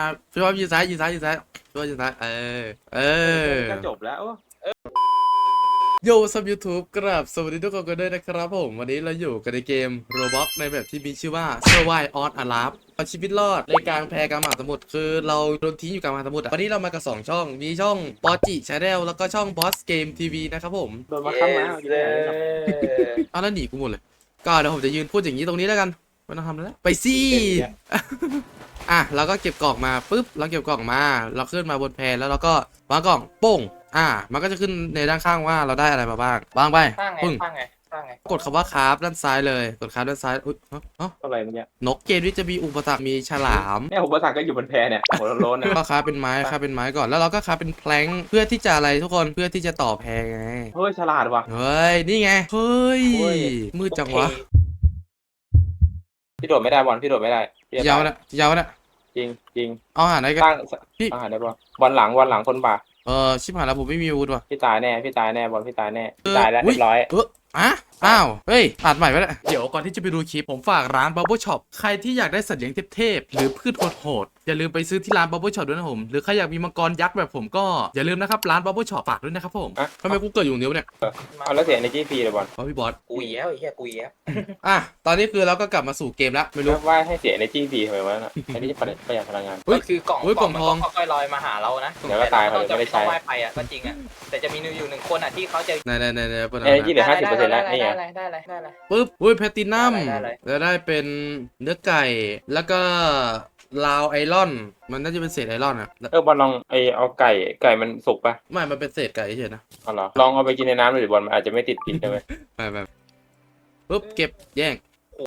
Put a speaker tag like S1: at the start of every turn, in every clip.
S1: พี่ว่ายืนซ้ายยืนซ้ายยืนซ้ายพี่ว่ายืนซ้ายเออ
S2: ก็จบแล้ว
S1: โยซับยูทูบกราบสวัสดีทุกคนกันด้วยนะครับผมวันนี้เราอยู่กันในเกม Roblox ในแบบที่มีชื่อว่า Survive on a Raft เอาชีวิตรอดในกลางแพกลางมหาสมุทรคือเราโดนทิ้งอยู่กลางมหาสมุทรวันนี้เรามากับ2ช่องมีช่องปอจิชาแนลแล้วก็ช่อง Boss Game TV นะครับผม
S2: โดนมาข้ามมาอยู่ที่ไหนครับ
S1: เอาแล้วหนีกูหมดเลยก็เดี๋ยวผมจะยืนพูดอย่างนี้ตรงนี้แล้วกันไม่ต้องทำแล้วไปสิอ่ะเราก็เก็บกล่องมาปุ๊บเราเก็บกล่องมาเราขึ้นมาบนแพแล้วเราก็วางกล่องโป้งมันก็จะขึ้นในด้านข้างว่าเราได้อะไรมาบ้างวางไปปึ้งกดคำว่าคราฟด้านซ้ายเลยกดคราฟด้านซ้ายอุ๊ย
S2: อะไรเมื่อกี้
S1: นกเกมนี้จะมีอุปสรรคมีฉลาม
S2: เนี่ยอุปสรรคก็อยู่บนแพเนี่ยหัวโล้นนะ
S1: ก็คราฟเป็นไม้ก่อนแล้วเราก็คราฟเป็นแพลงเพื่อที่จะอะไรทุกคนเพื่อที่จะต่อแพไง
S2: เฮ้ยฉลาดว่ะ
S1: เฮ้ยนี่ไงเฮ้ยมืดจังวะ
S2: พี่โดดไม่ได้บอลพี่โดดไม่ได้
S1: ยาวนะ
S2: จริงจริง
S1: เอาหาไหนกัน
S2: ตั้งอาหารได้ปะบอลหลังคนบ่า
S1: ชิบหายแล้วผมไม่มีอาวุธว่ะ
S2: พี่ตายแน่บอลพี่ตายแน่พี่ตายแล้วเรียบร้อย
S1: อ้าวเฮ้ยอัดใหม่ไปแล้วเดี๋ยวก่อนที่จะไปดูคลิปผมฝากร้าน Bubble Shop ใครที่อยากได้สัตว์เลี้ยงเทพๆหรือพืชโหดๆอย่าลืมไปซื้อที่ร้าน Bubble Shop ด้วยนะผมหรือใครอยากมีมังกรยักษ์แบบผมก็อย่าลืมนะครับร้าน Bubble Shop ฝากด้วยนะครับผมทำไมกูเกิดอยู่เดียวเนี่ย
S2: เอาแล้วเสีย energy ฟรีเลยบอล
S1: เพราะพี่บอส
S3: กุยแล้วไอ้เหี้ยกุยแล้ว
S1: ตอนนี้คือเราก็กลับมาสู่เกมแล้วไม่รู้
S2: ว่าให้เสีย energy ฟรีทำไมวะน่ะอันนี้จะประหยัดพลังงาน
S3: ก็คือกล่องทองค่อยๆลอยมาหาเรานะ
S2: เดี๋ยวก็ตายเขาจะไม่ได้ใช้
S3: ไปอ่ะก็จริงอ่ะแต่จะมีอยู่1คนอ่ะที่เขาจะ
S1: ใน
S2: energy เหลือ 50% แล้วนี่ไง
S3: ได้
S1: ปึ๊บแพตตินัมแล้วได้เป็นเนื้อไก่แล้วก็ลาวไอรอนมันน่าจะเป็นเศษไอรอนอ่ะ
S2: บอลลองเอาไก่มันสุกปะ
S1: ไม่มันเป็นเศษไก่เฉยนะ
S2: เอาเหรอลองเอาไปกินในน้ำเลยบอลมันอาจจะไม่ติดพิษใช่ไหม
S1: ไม่ปึ๊บเก็บแย่ง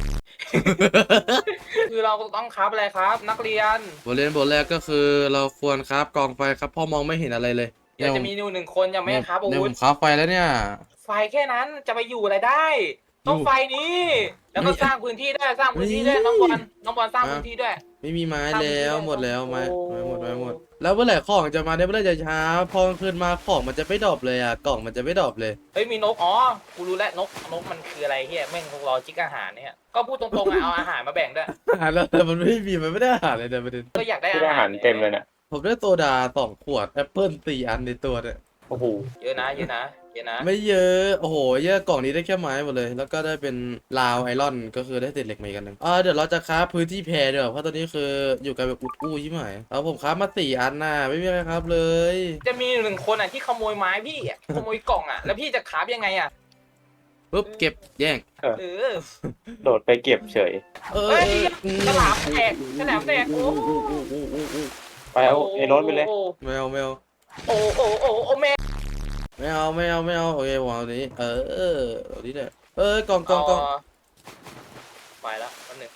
S3: คือเราต้องครับอะไรครับนักเรียน
S1: บทแรกก็คือเราควรครับกองไฟครับพ่อมองไม่เห็นอะไรเลย
S3: เดี๋ยวจะมี1คนยังไม่ครับอาวุธ
S1: ผมครับไฟแล้วเนี่ย
S3: ไฟแค่นั้นจะไปอยู่อะไรได้ต้องไฟนี้แล้วก็สร้างพื้นที่ด้วยน้องบอลสร้างพื้นที่ด้วย
S1: ไม่มีไม้แล้วหมดแล้วไม้หมดแล้วเมื่อไหร่ของจะมาได้เมื่อไหร่จะช้าพอคืนมาของมันจะไม่ดรอปเลยอ่ะกล่องมันจะไม่ดรอปเลย
S3: เฮ้ยมีนกกูรู้แล้วนกมันคืออะไรเฮียแม่งคงรอจิกอาหารเนี่ยก็พูดตรงๆเอาอาหารมาแบ่งด้วย
S1: แล้วแต่มันไม่มีมันไม่ได้อาหารเลยแต่ประเด็น
S3: ก็อยากได้
S2: อาหารเต็มเลยเนี่ย
S1: ผมได้โซดา2 ขวดแอปเปิ้ล4 อันในตัวเนี่ย
S2: โอ้โห
S3: เยอะนะ
S1: ไม่เยอะโอ้โหเยอะกล่องนี้ได้แค่ไม้หมดเลยแล้วก็ได้เป็นลาวไอรอนก็คือได้เศษเหล็กมาอีกอันนึงเดี๋ยวเราจะค้าพื้นที่แพรเดี๋ยวเพราะตอนนี้คืออยู่กันแบบอุดอู้ใช่ไหมผมค้ามา4 อันน่ะไม่มีอะไรครับเลย
S3: จะมี1คนที่ขโมยไม้พี่ขโมยกล่องแล้วพี่จะค้ายังไง
S1: ปุ๊บเก็บแย่ง
S2: โดดไปเก็บเฉย
S3: ฉลามแตกโอ้
S2: ไปเอารถไปเลย
S1: ไม่เอา
S3: แม่
S1: ไม่เอาโอเควางนี้เอานี้เลยกล่อง
S3: ไปแล้วอันหนึ่ง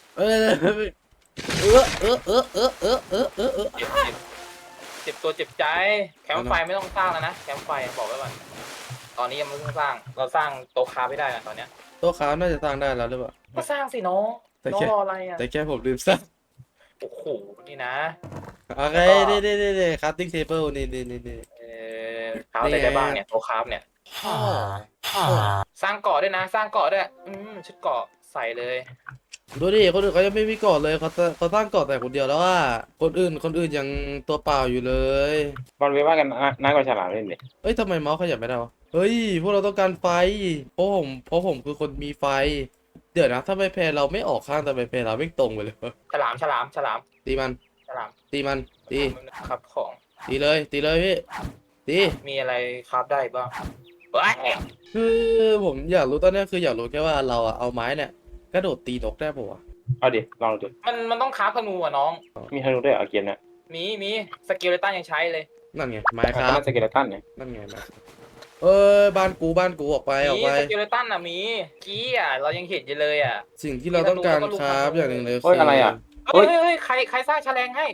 S3: เจ็บตัวเจ็บใจแคมป์ไฟไม่ต้องสร้างแล้วนะแคมป์ไฟบอกไว้ก่อนตอนนี้ยังไม่ต้องสร้างเราสร้างโต๊ะคาไม่ได้ตอนเนี้ย
S1: โต๊ะคาน่าจะสร้างได้แล้วหรือเปล่า
S3: ก็สร้างสิน้องรออะไร
S1: แต่แค่ผมลืมสร้าง
S3: โอ้โหนี่นะ
S1: โอเคนี่คัตติ้งเทเบิลนี่
S3: คราฟได้บ้างเนี่ยโต๊ะคราฟเนี่ยสร้างเกาะด้วยนะสร้างเกาะด้วยชุดเกาะใส่เลย
S1: ดูดิคนอื่นเขายังไม่มีเกาะเลยเขาสร้างเกาะแต่คนเดียวแล้วว่าคนอื่นยังตัวเปล่าอยู่เลย
S2: บอลไปว่ากันน่ากว่าฉลามเล่นเลย
S1: ทำไมเมาส์ขยับไม่ได้วะเฮ้ยพวกเราต้องการไฟเพราะผมคือคนมีไฟเดี๋ยวนะถ้าไปแพรเราไม่ออกข้างแต่ไปแพรเราไม่ตรงไปเลย
S3: ฉลาม
S1: ตีมันตี
S3: ครับของ
S1: ตีเลยพี่ตี
S3: มีอะไรครับได้บ้าง
S1: คือผมอยากรู้ตอนนี้คืออยากรู้แค่ว่าเราเอาไม้เนี่ยกระโดดตีนกได้ปะวะ
S2: เอาดิลองดู
S3: มันต้องคราฟธนูน้อง
S2: มีธนูด้วยเกมเนี่ย
S3: มีสกิลเลตันยังใช้เลย
S1: นั่นไงไม้ครับ
S2: สกิลเลตันเนี่ย
S1: นั่นไงบ้านกูออกไป
S3: สกิลเลตันมีกี้เรายังเห็นอยู่เลย
S1: สิ่งที่เราต้องการครับอย่างหนึ่งเลย
S2: คืออะไร
S3: เฮ้ยใครสร้างแฉลงให้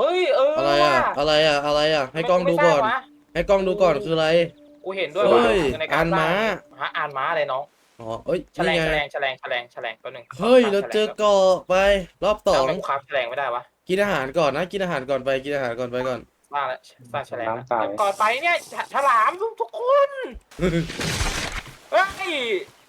S1: อะไรให้กล้องดูก่อนคืออะไร
S3: กูเห็นด้วย
S1: ในการม้า
S3: อ่านม้าอะไรน้องแฉลงตัวหนึ่ง
S1: เฮ้ยเราเจอเกาะไปรอบ2
S3: ไม่ครับแฉลงไม่ได้วะ
S1: กินอาหารก่อนนะกินอาหารก่อนไปก่อน
S3: สร้างแฉลงก่อนไปเนี่ยฉลามทุกคนเฮ้ย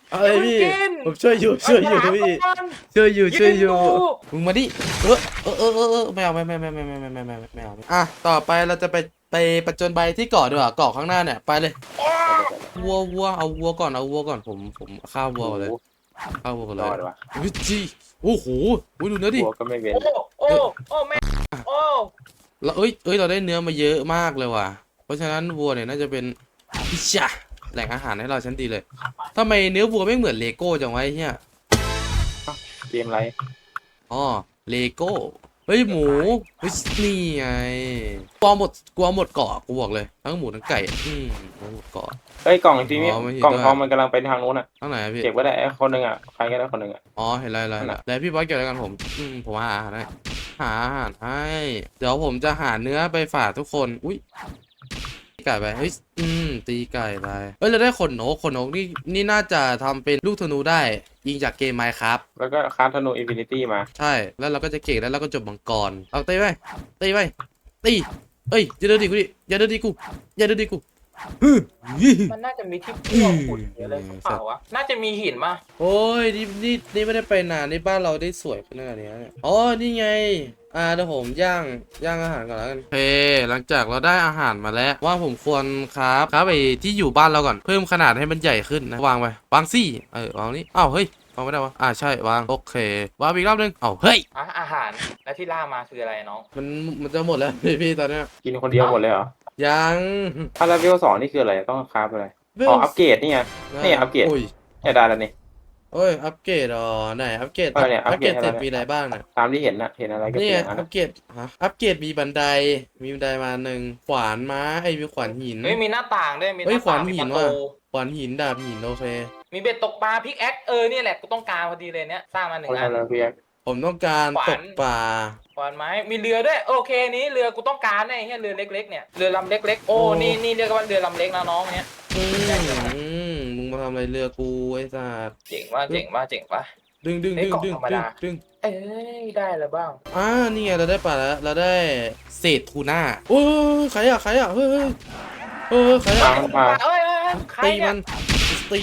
S1: อะไรพี่
S3: อย่าเพิ่งกิน
S1: ผมช่วยอยู่พี่ช่วยอยู่มึงมาดิไม่เอาไม่เอาอ่ะต่อไปเราจะไปประจนใบที่เกาะดีกว่าเกาะข้างหน้าเนี่ยไปเลยวัวเอาวัวก่อนผมฆ่าวัวก่อนเลยฆ่าวัวก่อนเล
S2: รอย ดวะ
S1: วิจีโอ้โหดูเนื้อดิ
S2: หัวก็ไม่เว้น
S3: โอ้แม่โอ้
S1: เราเราได้เนื้อมาเยอะมากเลยว่ะเพราะฉะนั้นวัวเนี่ยน่าจะเป็นพิชาแหล่งอาหารให้เราชั้นดีเลยทำไมเนื้อวัวไม่เหมือนเลโก้จังวะไอ้เหี้ย
S2: เกมไร
S1: อ๋อเลโก้เฮ้ยหมูเฮ้ยนี่ไงกลัวหมดเกาะกูบอกเลยทั้งหมูทั้งไก่กลัวหมดเกาะ
S2: เฮ้ยกล่องทีนี้
S1: อ๋อไม่เห็น
S2: กล่อง
S1: ด้วย
S2: ทองมันกำลังไปทางนู้นอ่ะ
S1: ทั้งไหนอะพี่
S2: เก็บไว้ได้ไอ้คนหนึ่งอ่ะใครก็ได้คนหนึ่งอ่ะ
S1: อ๋อเห็นอะไร
S2: นั่นน่ะ
S1: แล้วพี่บอสเกี่ยวอะไรกันผมหาอาหารให้เดี๋ยวผมจะหาเนื้อไปฝากทุกคนอุ้ยตีไก่ไปเฮ้ยตีไก่ไปเฮ้ยเราได้ขนนกนี่น่าจะทำเป็นลูกธนูได้ยิงจากเกม Minecraft
S2: แล้วก็คราฟธนูอินฟินิตี้มา
S1: ใช่แล้วเราก็จะเก่งแล้วเราก็จบมังกรเอาตีไปตีเอ้ยอย่าเดินดีกูฮึ่ม
S3: มันน่าจะมีที่พ่วงขุดหรืออะไรเปล่าวะน่าจะมีหินมา
S1: โอ้ยนี่ไม่ได้ไปนานนี่บ้านเราได้สวยขนาดนี้เนี่ยอ๋อนี่ไงเดี๋ยวผมย่างอาหารก่อนแล้วกันโอเคหลังจากเราได้อาหารมาแล้วว่าผมควรครับไปที่อยู่บ้านเราก่อนเพิ่มขนาดให้มันใหญ่ขึ้นนะวางไปวางซี่วางนี่อ้าวเฮ้ยวางไม่ได้วะใช่วางโอเควางอีกรอบนึงเฮ้ย
S3: อาหารแล้วที่ล่ามาคืออะไรน้อง
S1: มันจะหมดแล้ว พี่ตอนเนี้ย
S2: กินคนเดียวหมดเลยเหรอ
S1: ยัง
S2: ถ้าเลเวล2นี่คืออะไรต้องคราฟอะไรอ๋ออัปเกรดนี่ไง นี่อัปเกรด
S1: โอ้ย
S2: เนี่ยได้แล้วนี่
S1: โอ้ยอัปเกรดไหนอัปเกรด
S2: เนี่ยอั
S1: อั
S2: ป
S1: ป
S2: เก
S1: เก
S2: ร
S1: ร
S2: ด
S1: ดเสร็จ
S2: อะไร
S1: มีอะไรบ้างน่ะ
S2: ตามที่เห็นนะเห็นอะไรก็
S1: นี่
S2: เปลี่
S1: ไง
S2: ยนอัน
S1: อั
S2: นั้น
S1: ปเกรดอัปเกรดมีบันไดมา1ขวานม้ามีขวานหิน
S3: เฮ้ยมีหน้าต่างด้วยมีห
S1: เฮ้ย
S3: น้า
S1: ขวา
S3: ต่าน งมี
S1: หิ
S3: ป
S1: น
S3: ระ
S1: ว่ะ
S3: ตู
S1: ขวานหินดาบหินโอเค
S3: มีเบ็ดตกปลาพิกแอคเนี่ยแหละกูต้องการพอดีเลยเนี่ยสร้างมาหนึ่
S2: คน
S3: งอั
S2: นั้น
S3: น
S2: นะพี่แอ๊ก
S1: ผมต้องการ
S3: ขวาน
S1: ตกปลา
S3: ขวานไม้มีเรือด้วยโอเคนี้เรือกูต้องการเนี่ยเรือเล็กๆเนี่ยเรือลำเล็กๆโอ้นี่เรียกว่าเรือลำเล็กนะน้องเนี่ย
S1: มึงมาทำอะไรเรือกูไอ้สัส
S3: เจ๋งว่ะ
S1: ดึง
S3: เฮ้ยกล่องธรรมดา เอ้ยได้แล้วบ้าง
S1: นี่ไงเราได้ปลาแล้วเราได้เศษทูน่าโอ้ยใครอะเฮ้ยใครอะ
S2: มา
S3: ใคร
S1: ตี
S3: เนี่
S1: มั
S3: ย
S1: นตี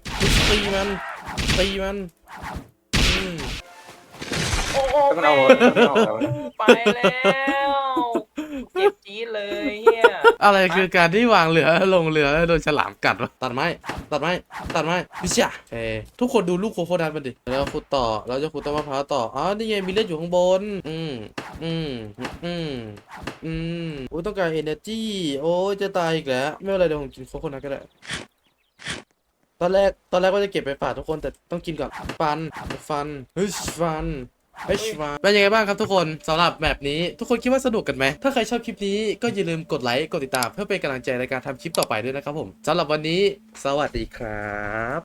S1: มัน
S3: โอ้โห
S2: มัน
S3: แม่
S2: เอา
S3: ไปแล้วเจ็บจี๊ดเลยเฮีย
S1: อะไรคือการที่วางเรือลงเรือแล้วโดนฉลามกัดวะตัดไม้พิชาทุกคนดูลูกโคโคนัทมันดิแล้วขุดต่อเราจะขุดต้นมะพร้าวต่อนี่ไงมีเลือดอยู่ข้างบนโอ้ต้องการ energy โอ้ยจะตายอีกแล้วไม่เป็นไรเดี๋ยวผมกินโคโคนัทก็ได้ตอนแรกว่าจะเก็บไปฝากทุกคนแต่ต้องกินก่อนฟันเป็นยังไงบ้างครับทุกคนสำหรับแบบนี้ทุกคนคิดว่าสนุกกันไหมถ้าใครชอบคลิปนี้ก็อย่าลืมกดไลค์กดติดตามเพื่อเป็นกำลังใจในการทำคลิปต่อไปด้วยนะครับผมสำหรับวันนี้สวัสดีครับ